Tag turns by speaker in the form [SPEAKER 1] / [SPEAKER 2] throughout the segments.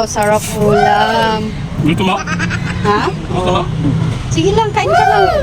[SPEAKER 1] Wow, sarap ulam.
[SPEAKER 2] Gusto mo?
[SPEAKER 1] Ha?
[SPEAKER 2] Gusto mo?
[SPEAKER 1] Sige lang, kain ka lang.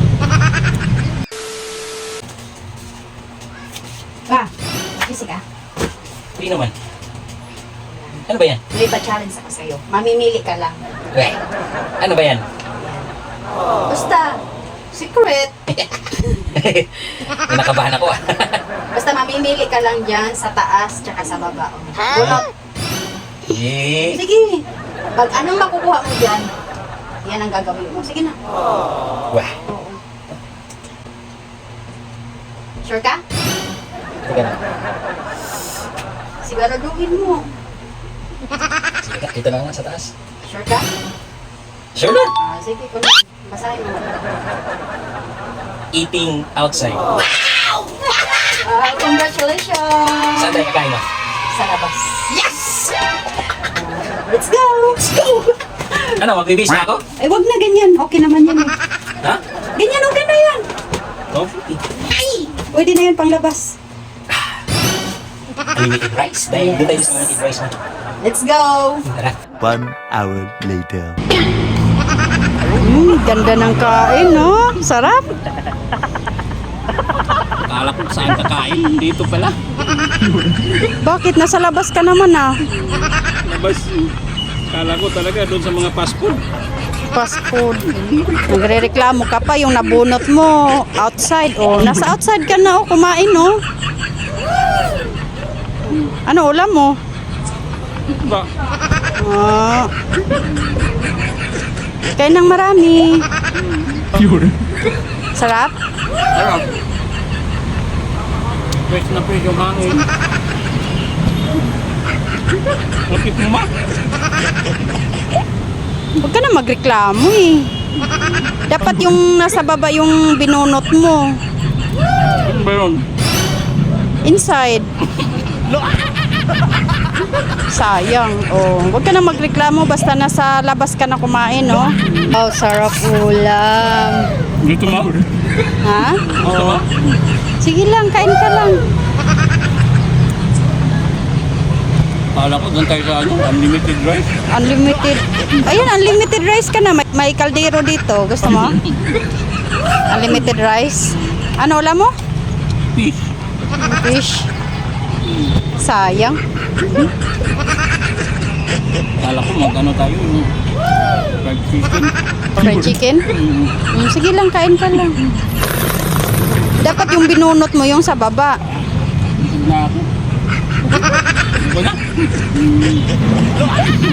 [SPEAKER 1] Ba, busy ka?
[SPEAKER 2] Hindi naman. Ano ba yan?
[SPEAKER 1] May pa-challenge ako sa'yo. Mamimili ka lang.
[SPEAKER 2] Weh, ano ba yan?
[SPEAKER 1] Basta, secret.
[SPEAKER 2] Nakabahan ako ah.
[SPEAKER 1] Basta mamimili ka lang dyan sa taas tsaka sa baba. Bunot.
[SPEAKER 2] Eh,
[SPEAKER 1] Sige. Pag anong makukuha mo dyan, yan ang gagawin mo. Sige na.
[SPEAKER 2] wah,
[SPEAKER 1] Oo. Sure ka?
[SPEAKER 2] teka na.
[SPEAKER 1] Siguraduhin mo.
[SPEAKER 2] Sige ka, dito na nga sa taas.
[SPEAKER 1] Sure ka?
[SPEAKER 2] Sure na.
[SPEAKER 1] Sige, kung basahin mo.
[SPEAKER 2] Eating outside.
[SPEAKER 1] Congratulations!
[SPEAKER 2] Saan tayo kakain mo?
[SPEAKER 1] Sa labas.
[SPEAKER 2] Yes!
[SPEAKER 1] Let's go! Let's go!
[SPEAKER 2] Ano, magbibis na ako?
[SPEAKER 1] Ay, wag na ganyan. Okay naman yan.
[SPEAKER 2] Ha?
[SPEAKER 1] Ganyan, okay na yan.
[SPEAKER 2] No?
[SPEAKER 1] Pwede na yan panglabas.
[SPEAKER 2] Unlimited rice. Dahil doon tayo sa unlimited rice mo.
[SPEAKER 1] Let's go!
[SPEAKER 2] Tara.
[SPEAKER 3] 1 hour later.
[SPEAKER 1] Ganda ng kain, no? Sarap.
[SPEAKER 2] Akala ko saan kakain. Dito pala.
[SPEAKER 1] Bakit? Nasa labas ka naman, ah.
[SPEAKER 2] Labas. Akala ko talaga doon sa mga fast food.
[SPEAKER 1] Fast food. Nagre-reklamo ka pa yung nabunot mo outside. Oh, nasa outside ka na, oh. Kumain, no? Ano ulam mo?
[SPEAKER 2] Ba?
[SPEAKER 1] Ah. Kain ng marami. Sarap?
[SPEAKER 2] Ano? Fresh na fresh yung hangin. Lapit mo ma?
[SPEAKER 1] Huwag ka na magreklamo eh. Dapat yung nasa baba yung binunot mo.
[SPEAKER 2] Ano ba yun?
[SPEAKER 1] Inside. Sayang. Oh, huwag ka na magreklamo basta nasa labas ka na kumain, no? Oh, sarap ulam.
[SPEAKER 2] Dito ma?
[SPEAKER 1] Ha?
[SPEAKER 2] Gusto mo?
[SPEAKER 1] Sige lang, kain ka lang.
[SPEAKER 2] Akala ko doon tayo sa ano, unlimited rice.
[SPEAKER 1] Unlimited. Ayun, unlimited rice ka na. May kaldero dito. Gusto mo? Unlimited rice. Ano ulam mo?
[SPEAKER 2] Fish.
[SPEAKER 1] Fish. Sayang.
[SPEAKER 2] Akala ko mag-ano tayo yung fried chicken.
[SPEAKER 1] Fried chicken? Sige lang, kain ka lang. Dapat yung binunot mo yung sa baba.
[SPEAKER 2] Busog na ako. Iba na.